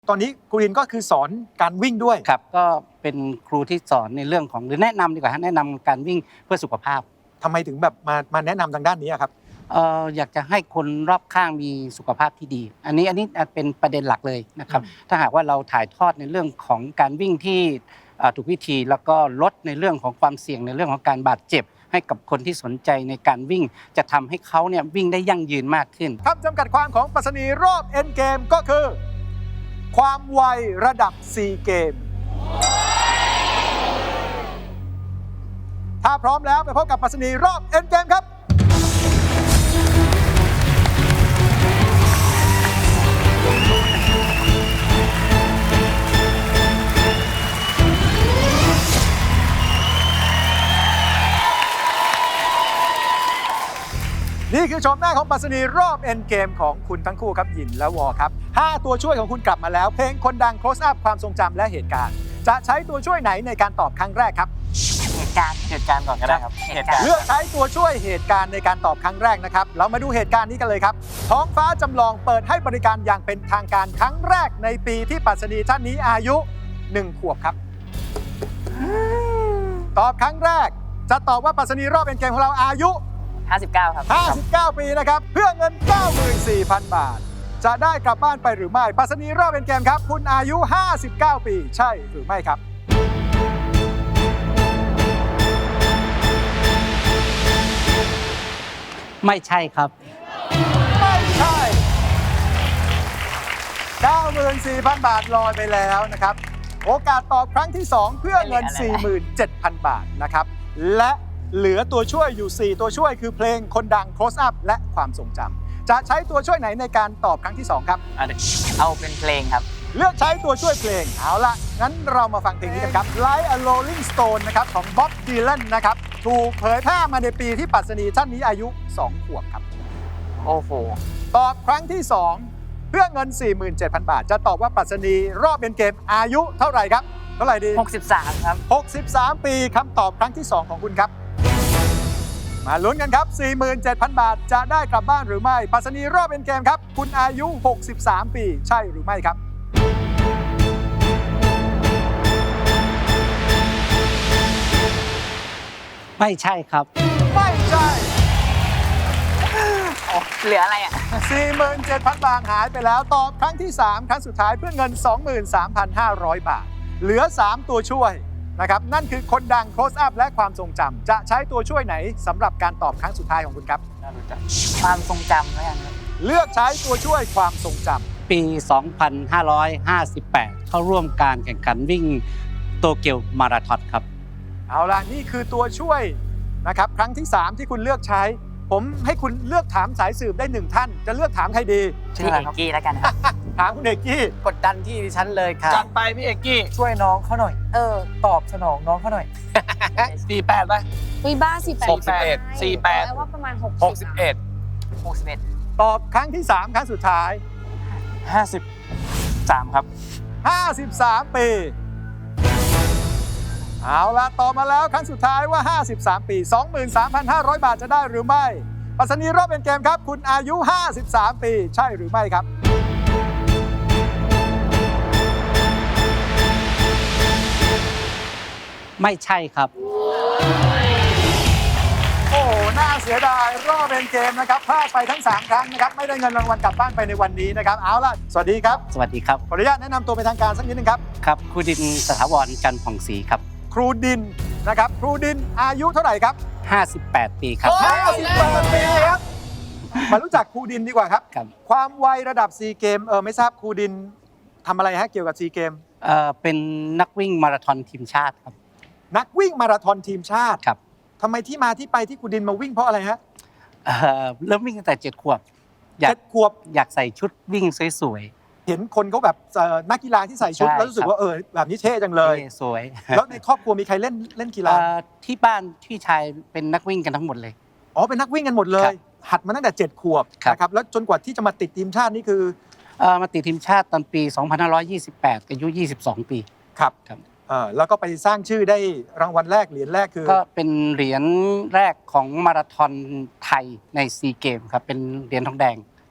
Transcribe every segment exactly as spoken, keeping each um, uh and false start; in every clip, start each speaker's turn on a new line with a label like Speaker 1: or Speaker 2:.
Speaker 1: ตอนนี้ครูดินก็คือสอนการวิ่งด้วย
Speaker 2: ครับก็เป็นครูที่สอนในเรื่องของหรือแนะนำดีกว่าแนะนำการวิ่งเพื่อสุขภาพ
Speaker 1: ทำไมถึงแบบมามาแนะนำทางด้านนี้ครับ
Speaker 2: เอ่ออยากจะให้คนรอบข้างมีสุขภาพที่ดีอันนี้อันนี้เป็นประเด็นหลักเลยนะครับถ้าหากว่าเราถ่ายทอดในเรื่องของการวิ่งที่ถูกวิธีแล้วก็ลดในเรื่องของความเสี่ยงในเรื่องของการบาดเจ็บให้กับคนที่สนใจในการวิ่งจะทำให้เขาเนี่ยวิ่งได้ยั่งยืนมากขึ้น
Speaker 1: คำจำกัดความของปรัชนีรอบเอ็นเกมก็คือความไวระดับ ซี เกมถ้าพร้อมแล้วไปพบกับปรัชนีรอบเอ็นเกมครับนี่คือชมหน้าของปรัชนีรอบเอ็นเกมของคุณทั้งคู่ครับหยินและวอครับห้าตัวช่วยของคุณกลับมาแล้วเพลงคนดัง close up ความทรงจำและเหตุการณ์จะใช้ตัวช่วยไหนในการตอบครั้งแรกครับ
Speaker 3: เหตุการณ์เหตุการณ์ก่อนก็ได้ครับ
Speaker 1: เหตุการณ์เลือกใช้ตัวช่วยเหตุการณ์ในการตอบครั้งแรกนะครับเรามาดูเหตุการณ์นี้กันเลยครับท้องฟ้าจำลองเปิดให้บริการอย่างเป็นทางการครั้งแรกในปีที่ปรัชนีท่านนี้อายุหนึ่งขวบครับตอบครั้งแรกจะตอบว่าปรัชนีรอบเอ็นเกมของเราอายุ
Speaker 3: ห้าสิบเก้าครับ
Speaker 1: ห้าสิบเก้าปีนะครับเพื่อเงิน เก้าหมื่นสี่พัน บาทจะได้กลับบ้านไปหรือไม่ปรัชนีรอบเอ็นเกมครับคุณอายุห้าสิบเก้าปีใช่หรือไม่ครับ
Speaker 2: ไม่ใช่ครับ
Speaker 1: ไม่ใช่ เก้าหมื่นสี่พัน บาทลอยไปแล้วนะครับโอกาสตอบครั้งที่สองเพื่อเงิน สี่หมื่นเจ็ดพัน บาทนะครับและเหลือตัวช่วยอยู่สี่ตัวช่วยคือเพลงคนดัง close up และความทรงจำจะใช้ตัวช่วยไหนในการตอบครั้งที่สองครับ
Speaker 3: เอาเป็นเพลงครับ
Speaker 1: เลือกใช้ตัวช่วยเพลงเอาละงั้นเรามาฟังเพลงนี้กันครับ Like a Rolling Stone นะครับของ Bob Dylan นะครับถูกเผยแพร่มาในปีที่ปรัชนีท่านนี้อายุสองขวบครับ
Speaker 3: โอ้โห
Speaker 1: ตอบครั้งที่สองเพื่อเงิน สี่หมื่นเจ็ดพัน บาทจะตอบว่าปรัชนีรอบเอ็นเกมอายุเท่าไหร่ครับเท่าไหร่ดี
Speaker 3: หกสิบสามครับ
Speaker 1: หกสิบสามปีคำตอบครั้งที่สองของคุณครับมาลุ้นกันครับ สี่หมื่นเจ็ดพัน บาทจะได้กลับบ้านหรือไม่ปรัชนีรอบเอ็นเกมครับคุณอายุหกสิบสามปีใช่หรือไม่ครับ
Speaker 2: ไม่ใช่ครับ
Speaker 1: ไม่ใช่
Speaker 3: เหลืออะไรอ่ะ
Speaker 1: สี่หมื่นเจ็ดพัน บาทหายไปแล้วตอบครั้งที่สามครั้งสุดท้ายเพื่อเงิน สองหมื่นสามพันห้าร้อย บาทเหลือสามตัวช่วยนะครับนั่นคือคนดัง close up และความทรงจำจะใช้ตัวช่วยไหนสำหรับการตอบครั้งสุดท้ายของคุณครับ
Speaker 3: ความทรงจำแล้วกันครับ
Speaker 1: เลือกใช้ตัวช่วยความทรงจ
Speaker 2: ำปี สองพันห้าร้อยห้าสิบแปด เข้าร่วมการแข่งขันวิ่งโตเกียวมาราธอนครับ
Speaker 1: เอาล่ะนี่คือตัวช่วยนะครับครั้งที่สามที่คุณเลือกใช้ผมให้คุณเลือกถามสายสืบได้หนึ่งท่านจะเลือกถามใครดี
Speaker 3: พี่เอกกี้แล้วกันครับ
Speaker 1: ถามคุณเอกกี้
Speaker 3: กดดันที่ดิฉันเลยค่ะ
Speaker 4: จัดไปพี่เอกกี้
Speaker 3: ช่วยน้องเขาหน่อย
Speaker 4: เออ
Speaker 3: ตอบสนองน้องเขาหน่อย
Speaker 4: สี่แปดไป
Speaker 5: วิบ้าสี่แปด
Speaker 4: หกสิบเอ็ดสี่แปด
Speaker 5: ว่าประมาณหก
Speaker 4: หกสิบเอ็ด
Speaker 3: หกสิบเอ็ด
Speaker 1: ตอบครั้งที่สามครั้งสุดท้าย
Speaker 4: ห้าสิบสามครับ
Speaker 1: ห้าสิบสามปีเอาล่ะตอบมาแล้วครั้งสุดท้ายว่าห้าสิบสามปี สองหมื่นสามพันห้าร้อย บาทจะได้หรือไม่ปรัชนีรอบเป็นเกมครับคุณอายุห้าสิบสามปีใช่หรือไม่ครับ
Speaker 2: ไม่ใช่ครับ
Speaker 1: โอ้โหน่าเสียดายรอบเป็นเกมนะครับพลาดไปทั้งสามครั้งนะครับไม่ได้เงินรางวัลกลับบ้านไปในวันนี้นะครับเอาล่ะสวัสดีครับ
Speaker 2: สวัสดีครับ
Speaker 1: ขออนุญาตแนะนำตัวเป็นทางการสักนิดนึงครับ
Speaker 2: ครับครูดินสถาวรจันทร์ผ่องศรีครับ
Speaker 1: ครูดินนะครับครูดินอายุเท่าไหร่ครับ
Speaker 2: ห้าสิบแปดปีครับ
Speaker 1: ห้าสิบแปดปีครับมารู้จักครูดินดีกว่าครับความไวระดับซีเกมเออไม่ทราบครูดินทำอะไรฮะเกี่ยวกับซีเกม
Speaker 2: เออเป็นนักวิ่งมาราธอนทีมชาติครับ
Speaker 1: นักวิ่งมาราธอนทีมชาติ
Speaker 2: ครับ
Speaker 1: ทำไมที่มาที่ไปที่ครูดินมาวิ่งเพราะอะไรฮะ
Speaker 2: เออเริ่มวิ่งตั้งแต่เจ็ดขวบ
Speaker 1: เจ็ดขวบ
Speaker 2: อยากใส่ชุดวิ่งสวย
Speaker 1: ๆเห็นคนเขาแบบนักกีฬาที่ใส่ชุดแล้วรู้สึกว่าเออแบบนี้เท่จังเลย
Speaker 2: สวย
Speaker 1: แล้วในครอบครัวมีใครเล่นเล่นกีฬา
Speaker 2: ที่บ้านพี่ชายเป็นนักวิ่งกันทั้งหมดเลย
Speaker 1: อ๋อเป็นนักวิ่งกันหมดเลยหัดมาตั้งแต่เจ็ดขวบนะครับแล้วจนกว่าที่จะมาติดทีมชาตินี่คือ
Speaker 2: มาติดทีมชาติตอนปีสองพันห้าร้อยยี่สิบแปดอายุยี่สิบสองปี
Speaker 1: ครับครับแล้วก็ไปสร้างชื่อได้รางวัลแรกเหรียญแรกคือ
Speaker 2: ก็เป็นเหรียญแรกของมาราธอนไทยในซีเกมครับเป็นเหรียญทองแดง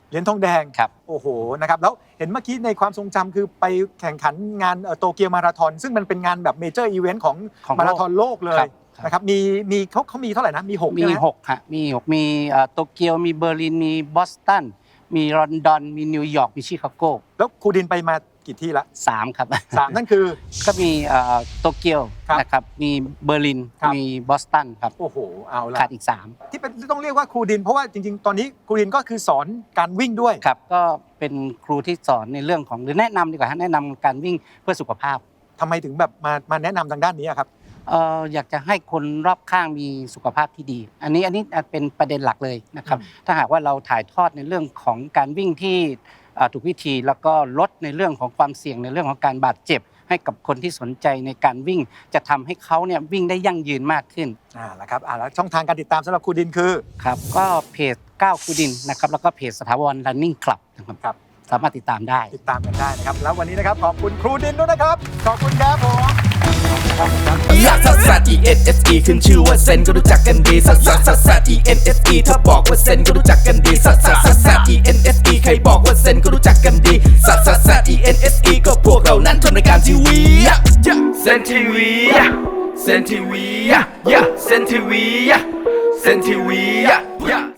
Speaker 1: เหรียญทองแดง
Speaker 2: ครับ
Speaker 1: โอ้โหนะครับแล้วเห็นเมื่อกี้ในความทรงจำคือไปแข่งขันงานโตเกียวมาราธอนซึ่งมันเป็นงานแบบเมเจอร์อีเวนต์ของ
Speaker 2: ของ
Speaker 1: มาราธอนโลกเลย
Speaker 2: ครับครับ
Speaker 1: นะครับมีมีเขาเขามีเท่าไหร่นะมีหก
Speaker 2: มี
Speaker 1: ใช่ไหม
Speaker 2: หกฮะมีหกมีเอ่อโตเกียวมีเบอร์ลินมีบอสตันมีลอนดอนมีนิวยอร์กมีชิคาโก
Speaker 1: แล้วครูดินไปมากี่ที่ละ
Speaker 2: สามครับ
Speaker 1: สามนั่นคือ
Speaker 2: ก็มีเอ่อโตเกียว
Speaker 1: ครับ
Speaker 2: นะครับมีเบอร์ลิน
Speaker 1: ครับ
Speaker 2: มีบอสตันครับ
Speaker 1: โอ้โหเอาละ
Speaker 2: ขาดอีกสาม
Speaker 1: ที่เป็นที่ต้องเรียกว่าครูดินเพราะว่าจริงๆ ตอนนี้ครูดินก็คือสอนการวิ่งด้วย
Speaker 2: ครับก็เป็นครูที่สอนในเรื่องของหรือแนะนำดีกว่าฮะแนะนำการวิ่งเพื่อสุขภาพ
Speaker 1: ทำไมถึงแบบมามาแนะนำทางด้านนี้อะครับ
Speaker 2: เอ่ออยากจะให้คนรอบข้างมีสุขภาพที่ดี อันนี้อันนี้เป็นประเด็นหลักเลยนะครับ
Speaker 1: อืม
Speaker 2: ถ้าหากว่าเราถ่ายทอดในเรื่องของการวิ่งที่เอ่อถูกวิธีแล้วก็ลดในเรื่องของความเสี่ยงในเรื่องของการบาดเจ็บ ให้กับคนที่สนใจในการวิ่ง จะทำให้เขาเนี่ยวิ่งได้ยั่งยืนมากขึ้น
Speaker 1: อ่าแล้วครับอ่าแล้วช่องทางการติดตามสำหรับครูดินคือ
Speaker 2: ครับก็เพจก้าวคูดินนะครับแล้วก็เพจสถาบัน Running Club นะครับ
Speaker 1: ครับ
Speaker 2: สามารถติดตามได้
Speaker 1: ติดตามกันได้นะครับแล้ววันนี้นะครับขอบคุณครูดินด้วยนะครับขอบคุณครับผมขอบคุณครับ
Speaker 5: ลักซัสซัส E N S E ขึ้นชื่อว่าเซนก็รู้จักกันดีซัสซัสซัสซัส E N S E ถ้าบอกว่าเซนก็รู้จักกันดีซัสซัสซัสซัส E N S E ใครบอกว่าเซนก็รู้จักกันดีซัสซัสซัส E N S E ก็พวกเรานั้นทำรายการทีวีเซนทีวีเซนทีวีเซนทีวีเซนทีวี